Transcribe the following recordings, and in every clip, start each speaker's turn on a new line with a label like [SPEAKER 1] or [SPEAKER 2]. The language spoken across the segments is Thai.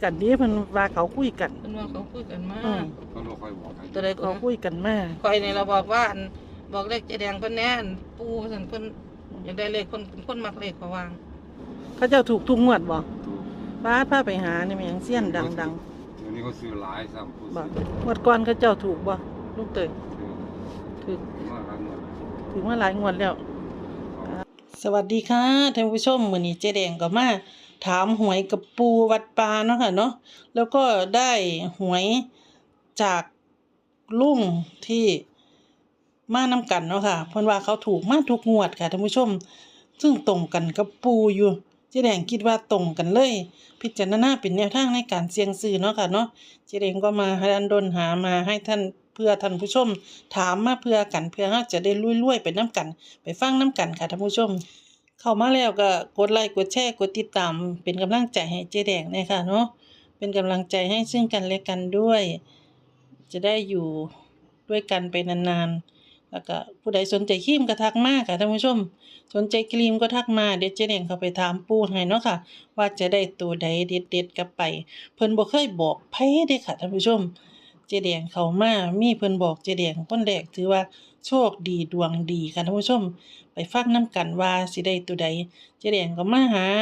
[SPEAKER 1] กันนี้เพิ่นว่าเขาคุยกัน
[SPEAKER 2] เพิ่นว่าเขาคุยกันมา
[SPEAKER 3] เขาบ่ค่อยบอกกัน
[SPEAKER 2] ตัวใดก็
[SPEAKER 1] เขาคุยกันมา
[SPEAKER 2] ข่อยนี่เราบอกว่าบอกเลขเจ๊แดงเพิ่นแน่นปู่ซั่นเพิ่นอยากได้เลขคนมักเลขเขาวาง
[SPEAKER 1] เขาเจ้าถูกทุกงวดบ่
[SPEAKER 3] ถูก
[SPEAKER 1] พาไปหานี่มันหยังเสี้ยนดัง
[SPEAKER 3] เดี๋ยวนี้เขาซื้อหลายซ้ำผู้
[SPEAKER 1] ๆบ่
[SPEAKER 3] ซื้อง
[SPEAKER 1] วดก่อนเขาเจ้าถูกบ่ลูกเตยถูก
[SPEAKER 3] มากครับหมด
[SPEAKER 1] ถึงมาหลายงวดแล้ว สวัสดีค่ะท่านผู้ชมมื้อนี้เจ๊แดงก็มาถามหวยกับปูวัดปาเนาะค่ะเนาะแล้วก็ได้หวยจากลุงที่มานํกันเนาะค่ะเพิ่นว่าเขาถูกมาทุกงวดค่ะท่านผู้ชมซึ่งตรงกันกับปูอยู่เจ๊แดงคิดว่าตรงกันเลย พิจารณาเป็นแนวทางในการเสี่ยงซื้อเนาะค่ะเนาะเจ๊แดงก็มาดันดนหามาให้ท่านเพื่อท่านผู้ชมถามมาเพื่อกันเพื่อเฮาจะได้รวยๆไปนํกันไปฟังนํกันค่ะท่านผู้ชมเข้ามาแล้วก็กดไลค์กดแชร์กดติดตามเป็นกำลังใจให้เจ๊แดงเลยค่ะเนาะเป็นกำลังใจให้ซึ่งกันและกันด้วย จะได้อยู่ด้วยกันไปนานๆแล้วก็ผู้ใดสนใจครีมก็ทักมาค่ะท่านผู้ชมสนใจครีมก็ทักมาเดี๋ยวเจ๊แดงเข้าไปถามปู่ให้เนาะค่ะว่าจะได้ตัวใดเด็ดๆกลับไปเพิ่นบ่เคยบอกไผเด้ค่ะท่านผู้ชมเจ๊แดงเข้ามามีเพิ่นบอกเจ๊แดงคนแรกถือว่าโชคดีดวงดีค่ะท่านผู้ชมไปฟังนํกันว่าสิได้ตัวใดเจ๊แดงก็มาหา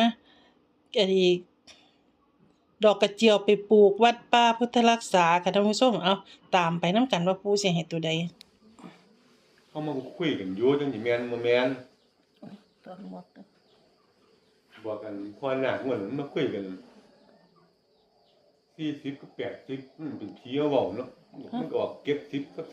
[SPEAKER 1] ดอกกระเจียวไปปลูกวัดป่าพุทธรักษาค่ะท่านผู้ชมเอาตามไปนํกันว่าปู่สิให้ตัวใด
[SPEAKER 3] เขามาคุยกันอยู่จังสิแม่นบ่แม่น
[SPEAKER 1] ตอนหมด
[SPEAKER 3] บอกกันพอหน้าม่วนมาคุยกัน40กับ80มันเป็นผีเอาเว้าเนาะมันก็ออก70กับ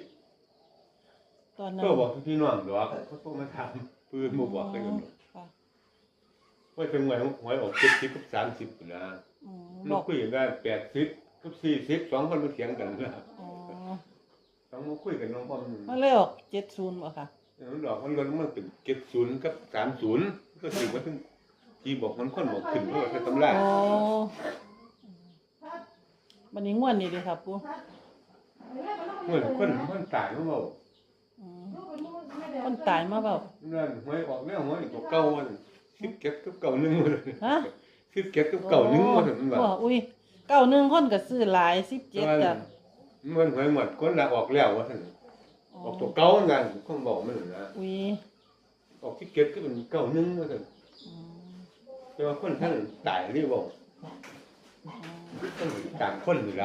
[SPEAKER 3] 30
[SPEAKER 1] ตอนนั้น
[SPEAKER 3] ก็บอกพี่น้องดอกเขาโทรมาถามปืนบ่บอกกันเนาะ
[SPEAKER 1] ค่ะ
[SPEAKER 3] ว่าจังหวะหวยออก70กับ30พุ่นนะ
[SPEAKER 1] บ
[SPEAKER 3] มา
[SPEAKER 1] อก
[SPEAKER 3] คุยกันได้80กับ40 2คนมาเถียงกันนะ
[SPEAKER 1] อ๋อ
[SPEAKER 3] ต้องมาคุยกันน้องพ่อมัน
[SPEAKER 1] มาเลยออก70บ่ค่ะ
[SPEAKER 3] ดอกมันลดมันเป็น70กับ30ก็ถือว่าถึงที่บอกมันคนบอกขึ้นเพราะว่าตำรา
[SPEAKER 1] อ๋อบัดนี้ม่วนนี่เด้ค่ะปู่
[SPEAKER 3] เหมือนคนตายมันบอก
[SPEAKER 1] อืมคนตายมาเว้า
[SPEAKER 3] นั่นหวยออกแล้วหวยตัวเก่ามัน17กับเก่า1มัน
[SPEAKER 1] ฮะ
[SPEAKER 3] 17กับเก่า1มันว่า
[SPEAKER 1] บ่อุ้ย91คนก็ซื้อหลาย17จ้ะ
[SPEAKER 3] มันหวยหมดคนละออกแล้วว่าซั่นออกตัวเก่านั่นคนบอกมันนะ
[SPEAKER 1] อุ้ย
[SPEAKER 3] ออก17ก็เป็นเก่า1ว่าซั่น
[SPEAKER 1] อืม
[SPEAKER 3] แต่ว่าคนท่านตายนี่บอกคนต่างคนนี่ล่ะ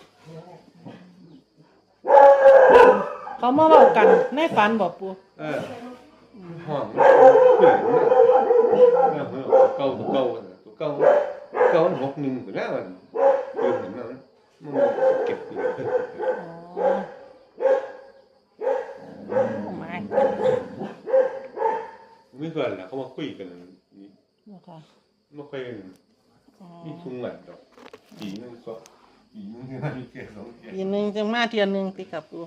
[SPEAKER 1] เขามาเว้ากันในฝันบ่ปู่
[SPEAKER 3] ห้องเพื่อนนะเมื่อเก่าตัวเก่ามัน61พุ่นแล้วมันเพิ่นเห็นมันเก็บอยู่
[SPEAKER 1] อ๋อมา
[SPEAKER 3] มีเพื่อนล่ะเขามาคุยกันนี่
[SPEAKER 1] เนาะค่ะ
[SPEAKER 3] บ่ค่อย
[SPEAKER 1] อ๋อ
[SPEAKER 3] มีทุงหมัดดอกปีนึงก็ปีนึงมีแค่2เที่ย
[SPEAKER 1] ปีหนึงจังมาเที่ยหนึงติค่ะปู่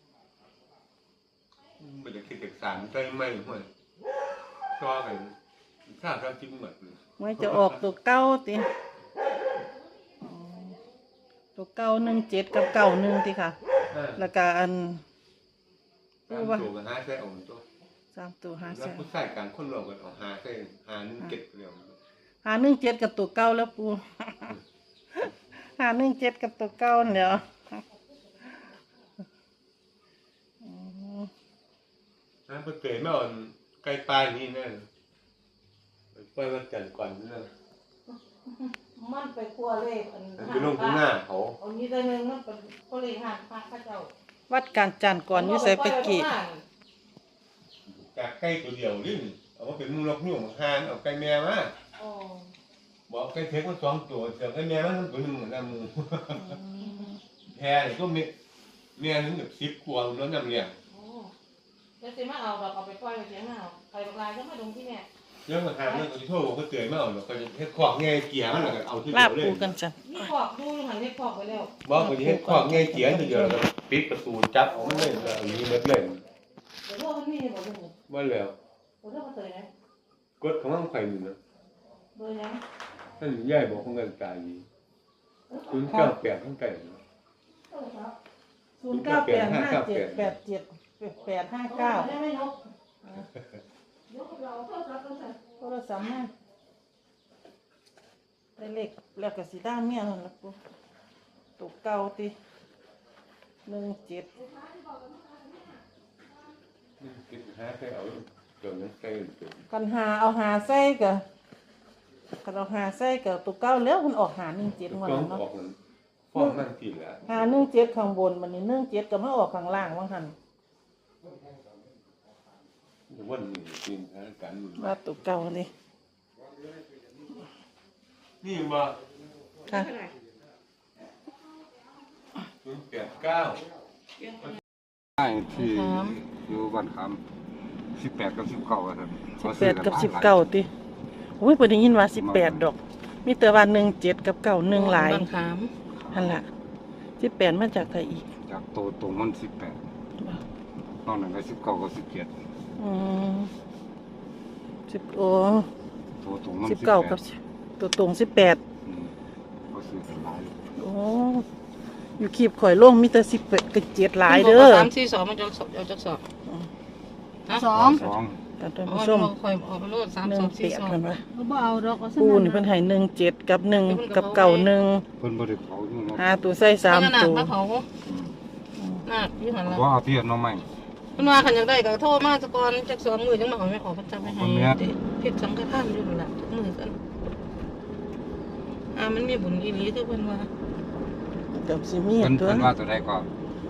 [SPEAKER 3] บ่ได้คิดจากสารใส่ไม้ห้วยซอกันถ้าจิ้มหมดเลย
[SPEAKER 1] ไว้จะออกตัวเก่าติอ๋อตัวเก่า17กับ91ติค่ะ แล้วก็อัน
[SPEAKER 3] ตามตัวกันหาใส่เอาตัว
[SPEAKER 1] 3ตัว
[SPEAKER 3] แล้วผู้ชายกลางคนเราก็เอาหาใส่หานึงเก็บเดียว
[SPEAKER 1] 517กับตัวเก่าแล้วปู่ 517กับตัวเก่านั่นแหล้วอ๋อ
[SPEAKER 3] นะเพิ่นเตยมาอ่อนใกล้ปลายนี่แน่ไปวันจันทร์ก่อนนั่น
[SPEAKER 2] มันไปคั่วเลข
[SPEAKER 3] ไปลงข้างหน้าเขา
[SPEAKER 2] เอานี้ได้นึงมันเป็นคั่วเลขห่างพระเขาเจ้า
[SPEAKER 1] วัดการจันทร์ก่อนอยู่ไสไปกี่
[SPEAKER 3] จากไก่ตัวเดียวนี่เอามาเป็นมูลกนุ่งหานเอาไก่แม่มา
[SPEAKER 2] อ๋อ
[SPEAKER 3] บอกไก่เทกมัน2ตัวเสือไก่แม่มันตัวนึงเหมือนกันหมู่แพ้นี่ก็แม่นึงแบบ10กว่าแล้วนำเนี่ย
[SPEAKER 2] โอ้แล้วสิมาเอาดอกเอาไปปล่อยไว้เสียงเอาใครบักลายก็มาดงที่แม่
[SPEAKER 3] แล้วมาหาเรื่องที่โทษบอกก็เตยมาเอาแล้วก็เฮ็ดขอกแง่เกียมันแล้วก็เอาที่
[SPEAKER 1] ลา
[SPEAKER 3] เดียวเลย
[SPEAKER 1] ปูกันจัน
[SPEAKER 2] นี่ขอกดูอยู่หันนี่ขอกไปแล้ว
[SPEAKER 3] บอกว่าเฮ็ดขอกแง่เกียทีเดียวแล้วปิดประตูจับเอามันเลยแล้วมีหมดเลย
[SPEAKER 2] เดี๋ยวพวกมันมีบ่ดู
[SPEAKER 3] ว่าแล้ว
[SPEAKER 2] เดี๋ยวพวกมันเตยนะ
[SPEAKER 3] กดของมันไข่นี่นะ
[SPEAKER 2] เบอร์ยัง
[SPEAKER 3] ท่านยายบอกของกันตายดี098ทั้งไก่
[SPEAKER 1] 0985787859
[SPEAKER 2] ได้ไหมนก
[SPEAKER 1] โทรศัพท์มาได้เลขแล้วก็สิได้เมียนั่นล่ะปูตัวเก่าติ17
[SPEAKER 3] คิดหาไปเอาเกินนั้นใกล้เกิน
[SPEAKER 1] กันหาเอาหาใส่ก็กันเอาหาใส่ก็ตัวเก่าแล้วมันออกหา17งวด
[SPEAKER 3] ก็
[SPEAKER 1] นั้นเนาะ
[SPEAKER 3] ออกนั้นฟ้องนั่นทีละ
[SPEAKER 1] หา17ข้างบนบัดนี้17ก็มาออกข้างล่างว่าหั่น
[SPEAKER 3] วันนี้กินหากัน
[SPEAKER 1] ว่าตัวเก่านี่
[SPEAKER 3] นี่มา
[SPEAKER 1] ค่ะ
[SPEAKER 3] 089
[SPEAKER 4] ใช่ที่อยู่บ้านคำ18 กับ 19ครับ
[SPEAKER 1] 18กับ19ติโอ้ยบ่ได้ยินว่า18ดอก มีแต่ว่า17กับ91หลาย
[SPEAKER 2] บ้านขาม
[SPEAKER 1] หั่นล่ะ18มาจากไทยอีก
[SPEAKER 4] จากโตตรงมัน18นอกนั้นก็19 กับ 17
[SPEAKER 1] อืม10โอ้
[SPEAKER 4] โตตรงมัน
[SPEAKER 1] 19กับตัวตรง18
[SPEAKER 4] ก็ซื้อกันหลาย
[SPEAKER 1] โอ้อยู่คีบข่อยลงมีแต่18กับ7หลายเด้อ
[SPEAKER 2] 342มันจะเอาจักสอบฮะ
[SPEAKER 5] สอง
[SPEAKER 1] ท่าน
[SPEAKER 2] อ๋อ
[SPEAKER 1] ผู้ชม
[SPEAKER 2] คอยออกไปโลด
[SPEAKER 1] 18เพิ่นว่า
[SPEAKER 5] ก็บ่เอาดอกเอาซะ
[SPEAKER 1] ปู
[SPEAKER 5] นั่น
[SPEAKER 1] นี่เพิ่นให้17กับ1กับ91
[SPEAKER 4] เพิ่นบ่ได้เผาอยู่เนาะ
[SPEAKER 1] หาตัวใส่3ตัว
[SPEAKER 2] มาเผาหน้าอยู่หั่นล่ะ
[SPEAKER 4] บ่เอาเทียนเนาะใหม่
[SPEAKER 2] เพิ่นว่าคันอยากได้ก็โทรมาซะก่อนจัก2มื้อจังมาเอาไม่ออกเพิ่นจะไปให้ผิดสังฆทานอยู่นั่นล่ะทุกมื้อกันมันมีบุญอีหลีคือเพิ่นว่า
[SPEAKER 1] กับสิมี
[SPEAKER 4] เพิ่น
[SPEAKER 1] ตัว
[SPEAKER 4] เพิ่นว่าตัวใดก็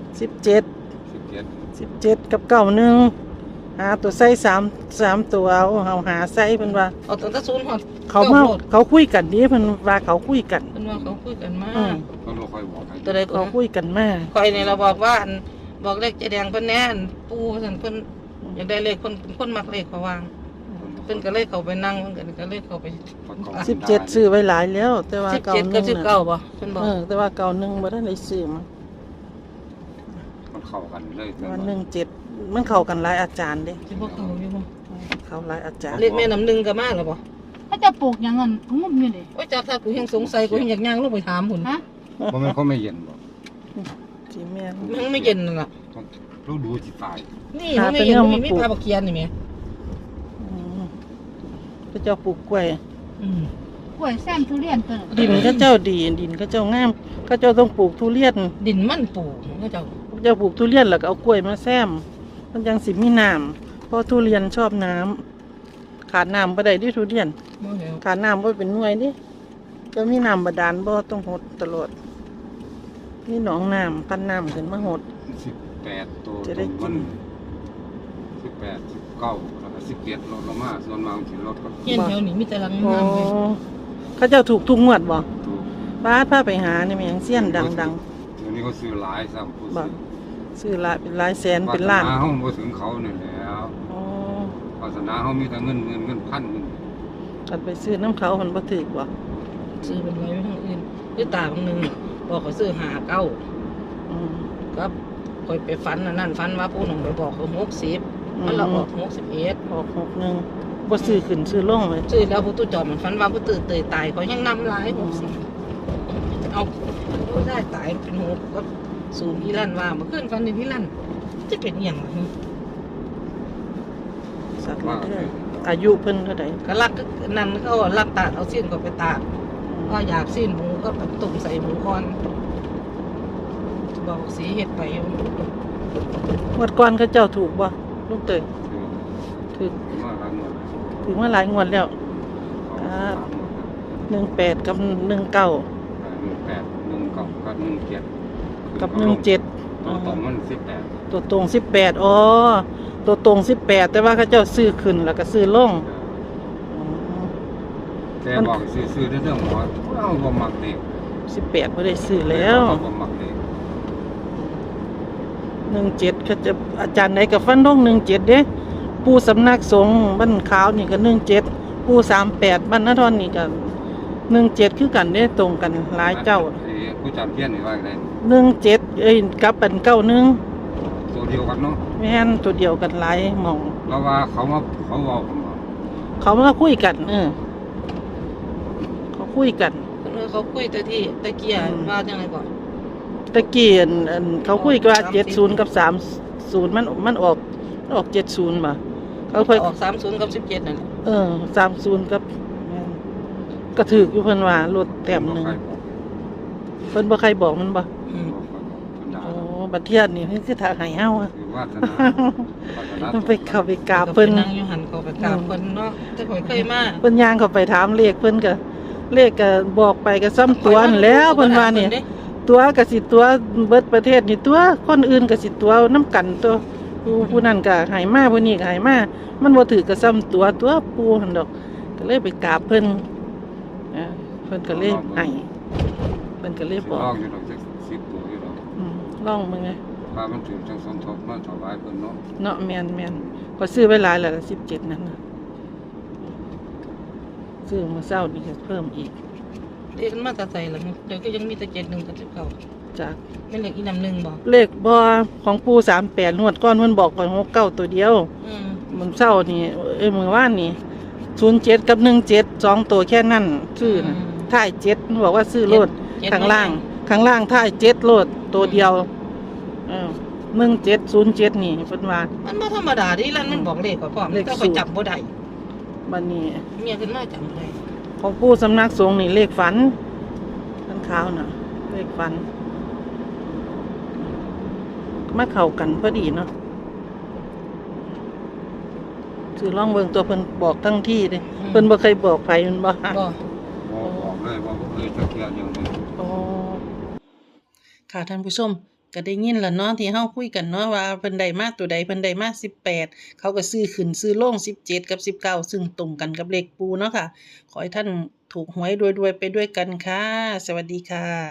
[SPEAKER 1] 17
[SPEAKER 4] 17
[SPEAKER 1] 17กับ91หาตัวใส่3ตัวเอาหาใส่เพิ่นว่า
[SPEAKER 2] เอาตั้งแต่0ฮอด
[SPEAKER 1] เขาคุยกันดิเพิ่นว่าเขาคุยกัน
[SPEAKER 2] เพิ่นว่าเขาคุยกันมา
[SPEAKER 1] อืม
[SPEAKER 4] เพิ่นบ่ค่อยบอกให้
[SPEAKER 2] ตัวใดก็
[SPEAKER 1] เขาคุยกันมา
[SPEAKER 2] คอยนี่เราบอกว่าบอกเลขเจแดงเพิ่นแน่นปูซั่นเพิ่นอยากได้เลขคนมักเลขเขาวางเพิ่นก็เลยเข้าไปนั่งเพิ่นก็เลยเข้าไป
[SPEAKER 1] 17ซื้อไว้หลายแล้ว แต่ว่าเก่า
[SPEAKER 2] 17กับ
[SPEAKER 1] นึง
[SPEAKER 2] 19บ่เพิ่นบอก
[SPEAKER 1] แต่ว่าเก่านึงบ่ทันได้ซื้อมา
[SPEAKER 4] มันเข้ากันเลย
[SPEAKER 1] แต่ว่า17มันเข้ากันหลายอาจารย์เด้
[SPEAKER 2] สิบ่เข้าอยู่บ่
[SPEAKER 1] เข้าหลายอาจารย์
[SPEAKER 2] เลขแม่น้ำหนึ่งก็มาแล้วบ่
[SPEAKER 5] ถ้าจะปลูกหยังงั้นงุ่มอยู่นี่
[SPEAKER 2] โอ้ยจักถ้ากูยังสงสัยกูยังอยากย่างลงไปถามพุ่น
[SPEAKER 5] ฮะ
[SPEAKER 4] บ่แม่นเขาไม่เย็นบ่
[SPEAKER 1] สิแม่น
[SPEAKER 2] มันไม่เย็นนั่นล่ะ
[SPEAKER 4] รู้ดูสิตาย
[SPEAKER 2] นี่มันไม่เย็นมันมีปลาบักเคียนนี่แหม
[SPEAKER 1] อืมพระเจ้าปลูกกล้วย
[SPEAKER 2] อืม
[SPEAKER 5] กล้วยแซมทุเรียนตัวนั้น
[SPEAKER 1] ดินเขาเจ้าดีดินเขาเจ้างามเขาเจ้าต้องปลูกทุเรียน
[SPEAKER 2] ดินมันปูเขาเจ้า
[SPEAKER 1] เขาเจ้าปลูกทุเรียนแล้วก็เอากล้วยมาแซมมันจังสิมีน้ำเพราะทุเรียนชอบน้ำขาดน้ำบ่ได้ดิทุเรียน
[SPEAKER 2] บ่แล้ว
[SPEAKER 1] ขาดน้ำบ่เป็นหน่วยดิจะมีน้ำบาดาลบ่ต้องหดตลอดมีหนองน้ำพันน้ำขึ้นมาหด
[SPEAKER 4] 18ตัว
[SPEAKER 1] จะได้กิน
[SPEAKER 4] 18 19แล้วก็17ลดลงมาส่วนมากสิลดก็
[SPEAKER 2] เฮียนแถวนี้มีแต่หลัง
[SPEAKER 1] โอ้
[SPEAKER 2] งามเลย
[SPEAKER 1] เขาเจ้าถูกทุกงวดบ่
[SPEAKER 4] ถูก
[SPEAKER 1] บ้านพาไปหานี่แม่งเสี้ยนดัง
[SPEAKER 4] เดี๋ยวนี้เขาซื้อหลายซ้ำผู้
[SPEAKER 1] ๆบ่
[SPEAKER 4] ซื้อ
[SPEAKER 1] ซื้อหลายเป็นหลายแสนเป็นล้าน
[SPEAKER 4] วสเฮาบ่ถึงเขานี่แหล้ว
[SPEAKER 1] อ๋อ
[SPEAKER 4] วาสนาเฮามีแต่เงินพันเงิน
[SPEAKER 1] กันไปซื้อน้ำเขามันบ่ถูกบ่
[SPEAKER 2] ซื้อเป็นไว้ทางอื่นคือตาบางนึงบอกเขาซื้อ59
[SPEAKER 1] อืม
[SPEAKER 2] ครับคอยไปฝันอันนั่นฝันว่าผู้หนุ่มไปบอกเขา60มันเราออก61
[SPEAKER 1] ออก61บ่ซื้อขึ้นซื้อลงเลย
[SPEAKER 2] ซื้อแล้วผู้ตู้จอดมันฝันว่าผู้ตื่นเตยตายเขายังนำหลาย60เอาผู้ได้ตายเป็น6ก็สูงพี่ลั่นว่าเมื่อคืนฝันในพี่ลั่นจะเป็นอหย่างไร
[SPEAKER 1] สักเด้ออายุเพิ่นเท่าใด
[SPEAKER 2] ก็รักนั่นเขารักตาดเอาสิ้นก็ไปตากก็อยากสิ้นหมูก็ไปตุ่มใส่หมูคอนบอกสีเห็ดไปอยู่
[SPEAKER 1] งวดก่อนเขาเจ้าถูกบ่ลูกเตยถูก
[SPEAKER 4] มาหลายหมด
[SPEAKER 1] ถึงมาหลายงวดแล้ว 18กับ19
[SPEAKER 4] 18 19กับ17
[SPEAKER 1] กับ17
[SPEAKER 4] ตัวตรงมัน18
[SPEAKER 1] ตัวตรง18อ๋อตัวตรง18แต่ว่าเขาเจ้าซื้อขึ้นแล้วก็ซื้อลงอ๋อ
[SPEAKER 4] แต่บอกซื้อๆเรื่องหมอเอาบ่มักเด็ก
[SPEAKER 1] 18บ่ได้ซื้อแล้ว
[SPEAKER 4] บ่มักเด็ก
[SPEAKER 1] 17เขาจะอาจารย์ไหนก็ฟันธง17เด้ปู่สำนักสงฆ์บ้านขาวนี่ก็17ปู่38บ้านนาทอนนี่ก็17คือกันเด้ตรงกันหลายเจ้า
[SPEAKER 4] ผู้จัดเพี้ยนนี่ว่าไง
[SPEAKER 1] 17กับเป็น91
[SPEAKER 4] ตัวเดียวกันเนาะ
[SPEAKER 1] แม่นตัวเดียวกันหลายหม่อง
[SPEAKER 4] แล้วว่าเขาเว้ากันว่า
[SPEAKER 1] เขามาคุยกันเขาคุยกัน
[SPEAKER 2] เขาคุยแต่ที่ตะเกียว่าจังไรก่อน
[SPEAKER 1] ตะกี้อันเขาคุยกันว่า70กับ30มันออก70บ่เขาค่อย
[SPEAKER 2] ออก30กับ17นั่นแหละ
[SPEAKER 1] 30กับแม่นก็ถูกอยู่เพิ่นว่าลดแต้มหนึง
[SPEAKER 4] ใครบอก
[SPEAKER 1] เพิ่นบ่ใครบอกมันบ่
[SPEAKER 2] อืม
[SPEAKER 4] บอกเพิ่นด่า
[SPEAKER 1] โอ้บัดเทียนนี่เพิ่นสิถ้าให้เฮาอะ
[SPEAKER 4] คือวาสนา
[SPEAKER 1] ไปเข้าไปกราบเพิ่น
[SPEAKER 2] นั่งอยู่หันเขาไปกราบเพิ่นเนาะแต่ข่อยเคยมา
[SPEAKER 1] เพิ่นย่างเข้าไปถามเลขเพิ่นก็เลขก็บอกไปก็ซ้ำตัวนั่นแหล้วเพิ่นว่านี่ตัวก็สิตัวเบิดประเทศนี่ตัวคนอื่นก็สิตัวนํกันตัวผู้นั้นก็ให้มาผู้นี้ก็ให้มามันบ่ถือก็ซ้ำตัวปู่หั่นดอกก็เลยไปกราบเพิ่นเพิ่นก็เลยให้เพิ่นก็เลยบอก
[SPEAKER 4] ลองอยู่ดอกจัก10ตัวอยู่ดอก
[SPEAKER 1] ลองมึงไง
[SPEAKER 4] พามันถึงจังสมทบมาถวายเพิ่นเนาะ
[SPEAKER 1] เนาะแม่นก็ซื้อไว้หลายแล้ว17นั่นน่ะซื้อมาเช้านี่ก็เพิ่มอีก
[SPEAKER 2] เรียกกันมาแต่ใส่แล้วเดี๋ยวก็ยังมีแต่71กับ19
[SPEAKER 1] จาก
[SPEAKER 2] แม่นเลขอีนำหนึ่งบ่
[SPEAKER 1] เลขบ่ของปู่38งวดก่อนเพิ่นบอกก่อน69ตัวเดียว
[SPEAKER 2] อืม
[SPEAKER 1] มันเช้านี่มื้อวานนี่07กับ17 2ตัวแค่นั้นซื้อน่ะท้าย7มันบอกว่าซื้อโลดข้างล่างท้าย7โลดตัวเดียว1707นี่เพิ่นว่า
[SPEAKER 2] มันบ่ธรรมดาดิลั่นมันบอกเลขข่อยพร้อม
[SPEAKER 1] เลข
[SPEAKER 2] แต่
[SPEAKER 1] สู
[SPEAKER 2] ข่อ
[SPEAKER 1] ต
[SPEAKER 2] ย
[SPEAKER 1] ร
[SPEAKER 2] จำบ่ได้
[SPEAKER 1] บัดนี้
[SPEAKER 2] เมียขึ้นมาจำบ่ได้
[SPEAKER 1] ของปู่สำนักสงฆ์นี่เลขฝันขันขาวน่ะ เลขฝันมาเข้ากันพอดีเนาะซื้อลองเบิ่งตัวเพิ่นบอกทั้งที่เด้เพิ่นบ่เคยบอกไผมันบ่
[SPEAKER 2] บ่
[SPEAKER 4] บอกเลยว่าบ่เคยจะเที่ยวอย่างนี้
[SPEAKER 1] อ๋อค่ะท่านผู้ชมก็ได้ยินแล้วเนาะที่เฮาคุยกันเนาะว่าเพิ่นได้มาตัวใดเพิ่นได้มา18เขาก็ซื้อขึ้นซื้อลง17กับ19ซึ่งตรงกันกับเลขปู่เนาะค่ะขอให้ท่านถูกหวยรวยๆไปด้วยกันค่ะสวัสดีค่ะ